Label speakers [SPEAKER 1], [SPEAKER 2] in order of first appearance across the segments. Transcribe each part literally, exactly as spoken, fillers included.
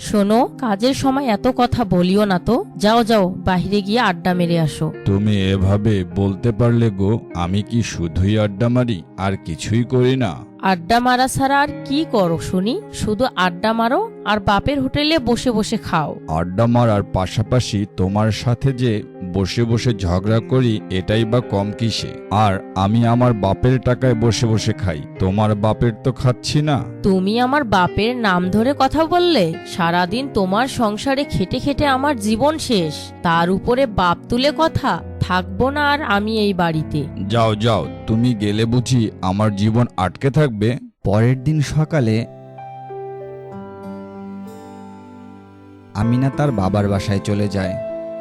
[SPEAKER 1] শোনো, কাজের সময় এত কথা বলিও না তো। যাও যাও, বাহিরে গিয়ে আড্ডা মেরে আসো।
[SPEAKER 2] তুমি এভাবে বলতে পারলে গো, আমি কি শুধুই আড্ডা মারি আর কিছুই করি না?
[SPEAKER 1] আড্ডা মারা ছাড়া আর কি করো শুনি? শুধু আড্ডা মারো আর বাপের হোটেলে বসে বসে খাও।
[SPEAKER 2] আড্ডা মারার পাশাপাশি তোমার সাথে যে বসে বসে ঝগড়া করি, এটাই বা কম কিসে? আর আমি আমার বাপের টাকায় বসে বসে খাই, তোমার বাপের তো খাচ্ছি না।
[SPEAKER 1] তুমি আমার বাপের নাম ধরে কথা বললে? সারাদিন তোমার সংসারে খেটে খেটে আমার জীবন শেষ, তার উপরে বাপ তুলে কথা। থাকবো না আর আমি এই বাড়িতে।
[SPEAKER 2] যাও যাও, তুমি গেলে বুঝি আমার জীবন আটকে থাকবে?
[SPEAKER 3] পরের দিন সকালে আমিনা তার বাবার বাসায় চলে যায়।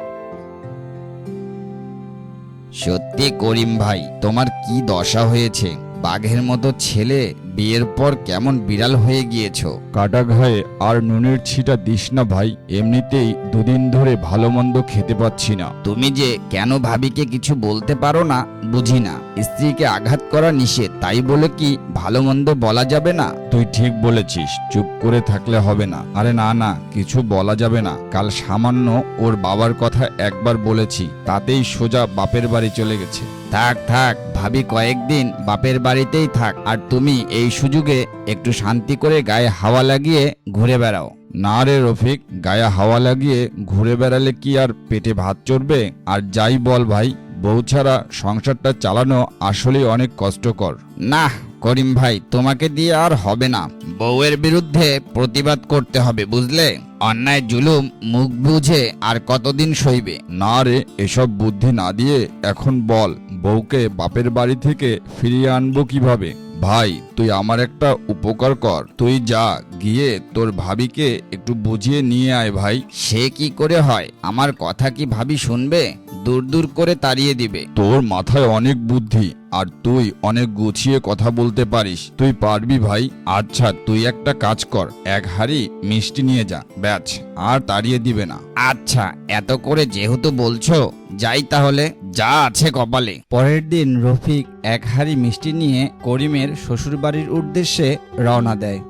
[SPEAKER 4] সত্যি করিম ভাই, তোমার কি দশা হয়েছে? বাঘের মতো ছেলে, বিয়ের পর কেমন বিড়াল হয়ে গিয়েছো।
[SPEAKER 2] কাটা ঘায়ে আর নুনের ছিটা দিস না ভাই, এমনিতেই দুদিন ধরে ভালো মন্দ খেতে পাচ্ছি না।
[SPEAKER 4] তুমি যে কেন ভাবিকে কিছু বলতে পারো না বুঝি না। স্ত্রীকে আঘাত করা নিষেধ, তাই বলে কি ভালো মন্দ বলা যাবে না?
[SPEAKER 2] তুই ঠিক বলেছিস, চুপ করে থাকলে হবে না। আরে না না, কিছু বলা যাবে না। কাল সামান্য ওর বাবার কথা একবার বলেছি, তাতেই সোজা বাপের বাড়ি চলে গেছে।
[SPEAKER 4] থাক থাক, ভাবি কয়েকদিন বাপের বাড়িতেই থাক, আর তুমি এই সুযোগে একটু শান্তি করে গায়ে হাওয়া লাগিয়ে ঘুরে বেড়াও।
[SPEAKER 2] না রে রফিক, গায়ে হাওয়া লাগিয়ে ঘুরে বেড়ালে কি আর পেটে ভাত চড়বে? আর যাই বল ভাই, বউ ছাড়া সংসারটা চালানো আসলেই অনেক কষ্টকর।
[SPEAKER 4] না করিম ভাই, তোমাকে দিয়ে আর হবে না। বউয়ের বিরুদ্ধে প্রতিবাদ করতে হবে, বুঝলে? অন্যায় জুলুম মুখ বুঝে আর কতদিন সইবে?
[SPEAKER 2] না রে, এসব বুদ্ধি না দিয়ে এখন বল, বউকে বাপের বাড়ি থেকে ফিরিয়ে আনবো কিভাবে? ভাই, তুই আমার একটা উপকার কর। তুই যা, গিয়ে তোর ভাবিকে একটু বুঝিয়ে নিয়ে আয় ভাই।
[SPEAKER 4] সে কি করে হয়? আমার কথা কি ভাবি শুনবে? দূর দূর করে তাড়িয়ে দিবে।
[SPEAKER 2] তোর মাথায় অনেক বুদ্ধি, আর তুই অনেক গুছিয়ে কথা বলতে পারিস, তুই পারবি ভাই। আচ্ছা, তুই একটা কাজ কর, এক হাঁড়ি মিষ্টি নিয়ে যা, ব্যাচ, আর তাড়িয়ে দিবে না।
[SPEAKER 4] আচ্ছা, এত করে যেহেতু বলছো, যাই তাহলে, যা আছে কপালে।
[SPEAKER 3] পরের দিন রফিক এক হাঁড়ি মিষ্টি নিয়ে করিমের শ্বশুরবাড়ির উদ্দেশ্যে রওনা দেয়।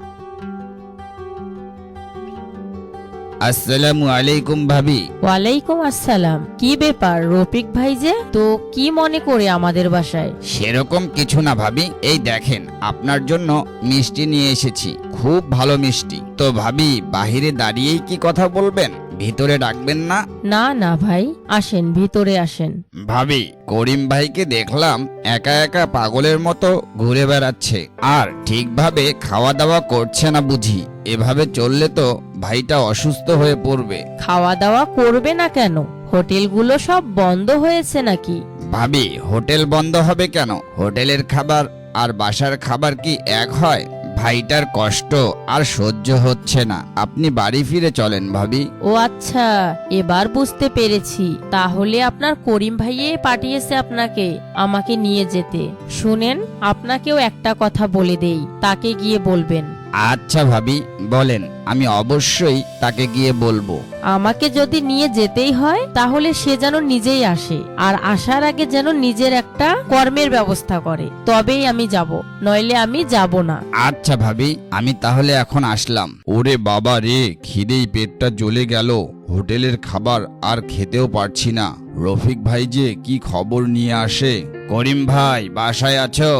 [SPEAKER 4] আসসালামু আলাইকুম ভাবি।
[SPEAKER 1] ওয়ালাইকুম আসসালাম। কি ব্যাপার রফিক ভাই যে? তো কি মনে করে আমাদের বাসায়?
[SPEAKER 4] সেরকম কিছু না ভাবি, এই দেখেন আপনার জন্য মিষ্টি নিয়ে এসেছি, খুব ভালো মিষ্টি। তো ভাবি, বাহিরে দাঁড়িয়েই কি কথা বলবেন? ভিতরে ডাকবেন না?
[SPEAKER 1] না না ভাই, আসেন, ভিতরে আসেন।
[SPEAKER 4] ভাবি, করিম ভাইকে দেখলাম একা একা পাগলের মতো ঘুরে বেড়াচ্ছে, আর ঠিকভাবে খাওয়া দাওয়া করছে না বুঝি। এভাবে চললে তো ভাইটা অসুস্থ হয়ে পড়বে।
[SPEAKER 1] খাওয়া দাওয়া করবে না কেন? হোটেলগুলো সব বন্ধ হয়েছে নাকি?
[SPEAKER 4] ভাবি, হোটেল বন্ধ হবে কেন? হোটেলের খাবার আর বাসার খাবার কি এক হয়? ভাইটার কষ্ট আর সহ্য হচ্ছে না, আপনি বাড়ি ফিরে চলেন ভাবি।
[SPEAKER 1] ও আচ্ছা, এবার বুঝতে পেরেছি। তাহলে আপনার করিম ভাইয়ে পাঠিয়েছে আপনাকে আমাকে নিয়ে যেতে। শুনেন, আপনাকেও একটা কথা বলে দেই, তাকে গিয়ে বলবেন।
[SPEAKER 4] আচ্ছা ভাবি, বলেন, আমি অবশ্যই তাকে গিয়ে বলবো।
[SPEAKER 1] আমাকে যদি নিয়ে যেতেই হয়, তাহলে সে যেন নিজেই আসে, আর আসার আগে যেন নিজের একটা কর্মের ব্যবস্থা করে, তবেই আমি যাব, নইলে আমি যাব না।
[SPEAKER 4] আচ্ছা ভাবি, আমি তাহলে এখন আসলাম।
[SPEAKER 2] ওরে বাবা রে, খিদেই পেটটা জ্বলে গেল, হোটেলের খাবার আর খেতেও পারছি না। রফিক ভাই যে কি খবর নিয়ে আসে।
[SPEAKER 4] করিম ভাই, বাসায় আছো?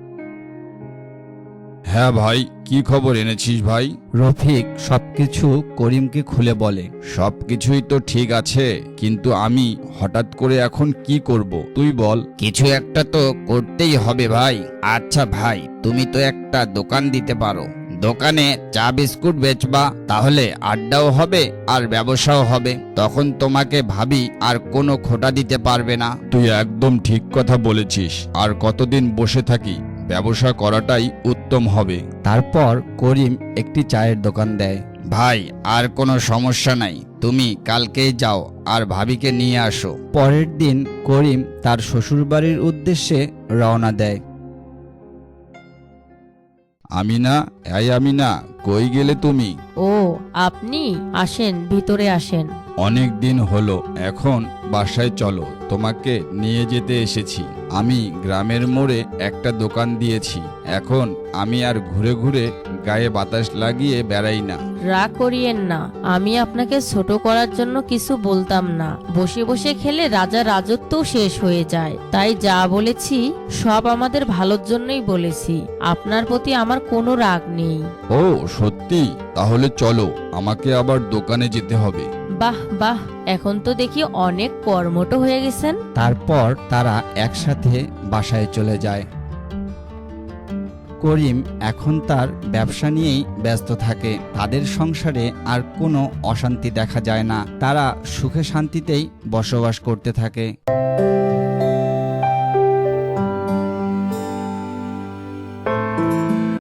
[SPEAKER 2] হ্যাঁ ভাই, কি খবর এনেছিস ভাই?
[SPEAKER 3] রফিক সবকিছু করিমকে খুলে বলে।
[SPEAKER 2] সবকিছুই তো ঠিক আছে, কিন্তু আমি হঠাৎ করে এখন কি করব তুই বল।
[SPEAKER 4] কিছু একটা তো করতেই হবে ভাই। আচ্ছা ভাই, তুমি তো একটা দোকান দিতে পারো। দোকানে চা বিস্কুট বেচবা, তাহলে আড্ডাও হবে আর ব্যবসাও হবে। তখন তোমাকে ভাবি আর কোনো খোটা দিতে পারবে না।
[SPEAKER 2] তুই একদম ঠিক কথা বলেছিস, আর কতদিন বসে থাকি, ব্যবসা করাটাই উত্তম হবে।
[SPEAKER 3] তারপর করিম একটি চায়ের দোকান দেয়।
[SPEAKER 4] ভাই, আর কোনো সমস্যা নাই, তুমি কালকেই যাও আর ভাবিকে নিয়ে আসো।
[SPEAKER 3] পরের দিন করিম তার শ্বশুরবাড়ির উদ্দেশ্যে রওনা দেয়।
[SPEAKER 2] আমিনা, এই আমিনা, কই গেলে তুমি?
[SPEAKER 1] ও, আপনি আসেন, ভিতরে আসেন।
[SPEAKER 2] অনেক দিন হলো, এখন বাসায় চলো, তোমাকে নিয়ে যেতে এসেছি। আমি গ্রামের মোড়ে একটা দোকান দিয়েছি, এখন আমি আর ঘুরে ঘুরে গায়ে বাতাস লাগিয়ে বেড়াই না।
[SPEAKER 1] রাগ করিয়েন না, আমি আপনাকে ছোট করার জন্য কিছু বলতাম না। বসে বসে খেলে রাজা রাজত্বও শেষ হয়ে যায়, তাই যা বলেছি সব আমাদের ভালোর জন্যই বলেছি। আপনার প্রতি আমার কোনো রাগ নেই।
[SPEAKER 2] ও সত্যি? তাহলে চলো, আমাকে আবার দোকানে যেতে হবে।
[SPEAKER 1] বাহ বাহ, এখন তো দেখি অনেক কর্মঠ হয়ে গেছেন।
[SPEAKER 3] তারপর তারা একসাথে বাসায় চলে যায়। করিম এখন তার ব্যবসা নিয়েই ব্যস্ত থাকে। তাদের সংসারে আর কোনো অশান্তি দেখা যায় না, তারা সুখে শান্তিতেই বসবাস করতে থাকে।